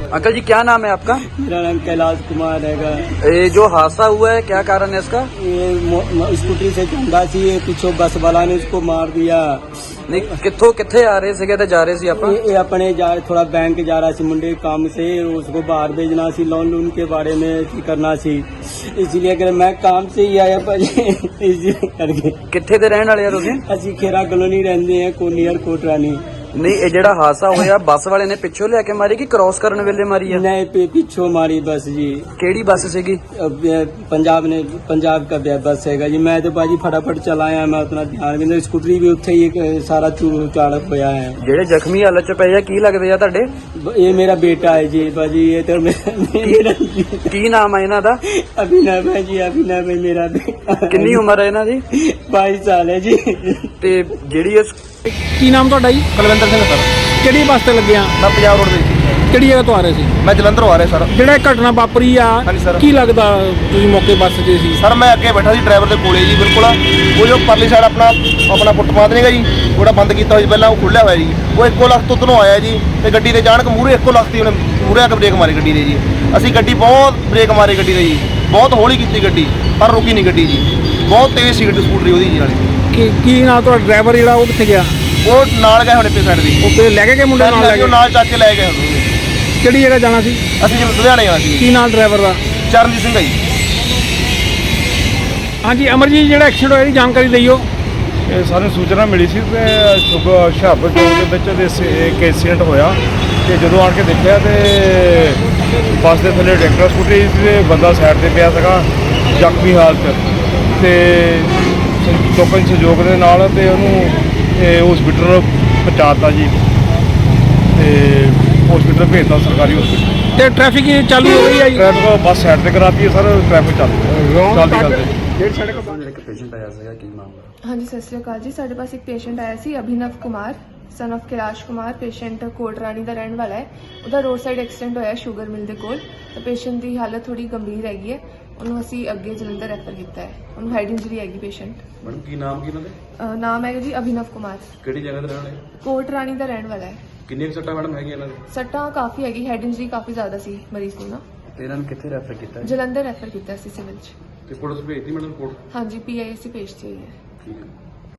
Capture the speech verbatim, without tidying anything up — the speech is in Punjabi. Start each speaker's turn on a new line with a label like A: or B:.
A: अंकल जी क्या नाम है आपका?
B: मेरा नाम कैलाश कुमार है।
A: ये जो हादसा हुआ है क्या कारण है इसका?
B: ये स्कूटी से चंदा सी पिछो बस वाला ने उसको मार दिया।
A: नहीं कितों किथे आ रहे थे जा रहे थे आप?
B: ये अपने जा थोड़ा बैंक जा रहा सी मुंडे काम से, उसको बाहर भेजना सी, लोन लोन के बारे में करना सी, इसलिए अगर मैं काम से ही आया भाजी इसलिए करके।
A: किथे दे रहने वाले हो तुसीं?
B: ਅਸੀਂ ਖੇਰਾ ਕਲੋਨੀ ਰਹਿੰਦੇ ਆ ਕੋਨੀਅਰ ਕੋਟਰਾਨੀ।
A: नहीं ये ਜਿਹੜਾ ਹਾਦਸਾ ਹੋਇਆ ਬੱਸ ਵਾਲੇ ਨੇ ਪਿੱਛੋਂ ਲਿਆ ਕੇ ਮਾਰੀ ਕਿ ਕ੍ਰਾਸ ਕਰਨ ਵੇਲੇ ਮਾਰੀ ਆ?
B: नहीं पे पिछो मारी बस जी।
A: ਕਿਹੜੀ ਬੱਸ ਸੀਗੀ?
B: अब ये पंजाब ने पंजाब का बे- बस हैगा जी। मैं तो भाजी फटाफट चला आया, मैं उतना ध्यान भी नहीं, स्कूटरी भी उत्थे ही एक सारा चूड़ चाड़क होया है।
A: ਜਿਹੜੇ ਜ਼ਖਮੀ ਹਾਲਤ ਚ ਪਏ ਆ ਕੀ ਲੱਗਦੇ ਆ ਤੁਹਾਡੇ?
B: ये मेरा बेटा है जी भाजी, ये तो मेरा मेरा
A: ਕੀ ਨਾਮ ਆ ਇਹਨਾਂ ਦਾ?
B: अभिनव है जी, अभिनव है मेरा बेटा।
A: ਕਿੰਨੀ ਉਮਰ ਹੈ ਇਹਨਾਂ ਦੀ?
B: बाईस साल है जी।
A: ਤੇ ਜਿਹੜੀ ਇਸ
C: ਕੀ ਨਾਮ ਤੁਹਾਡਾ ਜੀ?
D: ਕੁਲਵਿੰਦਰ ਸਿੰਘ ਸਰ।
C: ਕਿਹੜੀ ਬੱਸ ਤੇ ਲੱਗੇ ਆ?
D: ਮੈਂ ਪੰਜਾਬ ਰੋਡ ਦੇ
C: ਕਿਹੜੀ ਜਗ੍ਹਾ ਤੋਂ ਆ ਰਹੇ ਸੀ?
D: ਮੈਂ ਜਲੰਧਰੋਂ ਆ ਰਿਹਾ ਸਰ।
C: ਜਿਹੜਾ ਇਹ ਘਟਨਾ ਵਾਪਰੀ ਆ
D: ਹਾਂਜੀ ਸਰ।
C: ਕੀ ਲੱਗਦਾ ਤੁਸੀਂ ਮੌਕੇ ਬੱਸ 'ਚ ਸੀ?
D: ਸਰ ਮੈਂ ਅੱਗੇ ਬੈਠਾ ਸੀ ਡਰਾਈਵਰ ਦੇ ਕੋਲੇ ਜੀ ਬਿਲਕੁਲ। ਉਹ ਜੋ ਪਰਲੀ ਸਾਈਡ ਆਪਣਾ ਆਪਣਾ ਫੁੱਟਪਾਥ ਨੇਗਾ ਜੀ, ਉਹਦਾ ਬੰਦ ਕੀਤਾ ਹੋਇਆ ਸੀ ਪਹਿਲਾਂ, ਉਹ ਖੁੱਲਿਆ ਹੋਇਆ ਜੀ। ਉਹ ਇੱਕੋ ਲੱਖ ਤੋਂ ਉਧਰੋਂ ਆਇਆ ਜੀ ਤੇ ਗੱਡੀ ਦੇ ਅਚਾਨਕ ਮੂਹਰੇ ਇੱਕੋ ਲੱਖ ਦੀ ਉਹਨੇ ਮੂਹਰੇ ਆ ਕੇ ਬ੍ਰੇਕ ਮਾਰੀ ਗੱਡੀ ਦੇ ਜੀ। ਅਸੀਂ ਗੱਡੀ ਬਹੁਤ ਬ੍ਰੇਕ ਮਾਰੀ ਗੱਡੀ ਦੇ ਜੀ, ਬਹੁਤ ਹੌਲੀ ਕੀਤੀ ਗੱਡੀ, ਪਰ ਰੁਕੀ ਨਹੀਂ ਗੱਡੀ ਜੀ। ਬਹੁਤ ਤੇਜ਼ ਸੀ ਗੱਡੀ ਸਕੂਟਰੀ ਉਹਦੀ ਜੀ ਨਾਲੇ।
C: ਕੀ ਕੀ ਨਾਲ ਤੁਹਾਡਾ ਡਰਾਈਵਰ ਜਿਹੜਾ ਉਹ ਕਿੱਥੇ ਗਿਆ?
D: ਉਹ ਨਾਲ ਗਏ ਹੁਣ ਪੇ ਸਾਈਡ ਦੀ,
C: ਉਹ ਤੇ ਲੈ ਕੇ ਗਏ ਮੁੰਡੇ ਨਾਲ ਲੈ
D: ਉਹ
C: ਕੇ?
D: ਨਾਲ ਚੱਕ ਕੇ ਲੈ ਗਏ ਉਹਨੂੰ।
C: ਕਿਹੜੀ ਜਗ੍ਹਾ ਜਾਣਾ ਸੀ?
D: ਅਸੀਂ ਜੀ ਲੁਧਿਆਣੇ ਜਾਣਾ ਸੀ।
C: ਕੀ ਨਾਲ ਡਰਾਈਵਰ ਦਾ?
D: ਚਰਨਜੀਤ ਸਿੰਘ ਹੈ ਜੀ।
C: ਹਾਂਜੀ ਅਮਰਜੀਤ, ਜਿਹੜਾ ਐਕਸੀਡੈਂਟ ਹੋਇਆ ਇਹਦੀ ਜਾਣਕਾਰੀ ਦਈਓ।
E: ਇਹ ਸਾਨੂੰ ਸੂਚਨਾ ਮਿਲੀ ਸੀ ਕਿ ਸੁਬਹ ਹੁਸ਼ਿਆਰਪੁਰ ਚੌਂਕ ਦੇ ਵਿੱਚ ਇਹਦੇ ਸ- ਇੱਕ ਐਕਸੀਡੈਂਟ ਹੋਇਆ ਤੇ ਜਦੋਂ ਆਣ ਕੇ ਦੇਖਿਆ ਤੇ ਬੱਸ ਦੇ ਥੱਲੇ ਟਰੈਕਟਰ ਸਕੂਟਰੀ ਤੇ ਬੰਦਾ ਸਾਈਡ ਤੇ ਪਿਆ ਸੀਗਾ ਜ਼ਖਮੀ ਹਾਲਤ ਤੇ ਲੋਕਾਂ ਦੇ ਸਹਿਯੋਗ ਦੇ ਨਾਲ ਤੇ ਉਹਨੂੰ ਹਸਪੀਟਲ ਪਹੁੰਚਾਤਾ ਜੀ ਤੇ ਹਸਪੀਟਲ ਭੇਜਤਾ ਸਰਕਾਰੀ ਹਸਪੀਟਲ।
C: ਤੇ ਟ੍ਰੈਫਿਕ ਚਾਲੂ ਹੋ ਗਈ ਆ ਜੀ?
E: ਟ੍ਰੈਫਿਕ ਬੱਸ ਸਾਈਡ ਤੇ ਕਰਾਤੀ ਹੈ ਸਰ, ਟ੍ਰੈਫਿਕ ਚੱਲ ਚੱਲਦੀ ਚੱਲਦੀ
C: ਡੇਢ ਸੜਕ
A: ਇੱਕ ਪੇਸ਼ੈਂਟ ਆਇਆ ਸੀਗਾ ਕੀ ਮਾਮਲਾ?
F: ਹਾਂਜੀ ਸਤਿ ਸ਼੍ਰੀ ਅਕਾਲ ਜੀ। ਸਾਡੇ ਪਾਸ ਇੱਕ ਪੇਸ਼ੈਂਟ ਆਇਆ ਸੀ Abhinav Kumar son of Kailash Kumar. Patient Kotrani ਦਾ ਰਹਿਣ ਵਾਲਾ ਹੈ। ਉਹਦਾ ਰੋਡ ਸਾਈਡ ਐਕਸੀਡੈਂਟ ਹੋਇਆ ਸ਼ੂਗਰ ਮਿਲ ਦੇ ਕੋਲ। ਤਾਂ ਪੇਸ਼ੈਂਟ ਦੀ ਹਾਲਤ ਥੋੜੀ ਗੰਭੀਰ ਹੈਗੀ ਹੈ, ਉਹਨੂੰ ਅਸੀਂ ਅੱਗੇ ਜਲੰਧਰ ਰੈਫਰ ਕੀਤਾ ਹੈ। ਉਹਨੂੰ ਹੈਡ ਇੰਜਰੀ ਹੈਗੀ ਪੇਸ਼ੈਂਟ।
A: ਮੈਡਮ ਕੀ ਨਾਮ ਕੀ ਉਹਨਾਂ ਦੇ?
F: ਅਹ ਨਾਮ ਹੈਗਾ ਜੀ ਅਭਿਨਵ ਕੁਮਾਰ।
A: ਕਿਹੜੀ ਜਗ੍ਹਾ ਤੇ ਰਹਿਣ ਵਾਲੇ?
F: ਕੋਟਰਾਣੀ ਦਾ ਰਹਿਣ ਵਾਲਾ ਹੈ।
A: ਕਿੰਨੀਆਂ ਸੱਟਾਂ ਮੈਡਮ ਹੈਗੀਆਂ ਇਹਨਾਂ ਦੇ?
F: ਸੱਟਾਂ ਕਾਫੀ ਹੈਗੀ, ਹੈਡ ਇੰਜਰੀ ਕਾਫੀ ਜ਼ਿਆਦਾ ਸੀ ਮਰੀਜ਼ ਨੂੰ ਨਾ।
A: ਤੇ ਇਹਨਾਂ ਨੂੰ ਕਿੱਥੇ ਰੈਫਰ ਕੀਤਾ?
F: ਜਲੰਧਰ ਰੈਫਰ ਕੀਤਾ ਸੀ ਸਿਵਲ 'ਚ।
A: ਤੇ ਪੁਲਿਸ ਭੇਜਤੀ ਮੈਡਮ ਕੋਲ?
F: ਹਾਂਜੀ ਪੀ ਆਈ ਐਸ ਸੀ ਭੇਜਤੀ ਹੋਈ ਹੈ।
A: ਠੀਕ ਹੈ।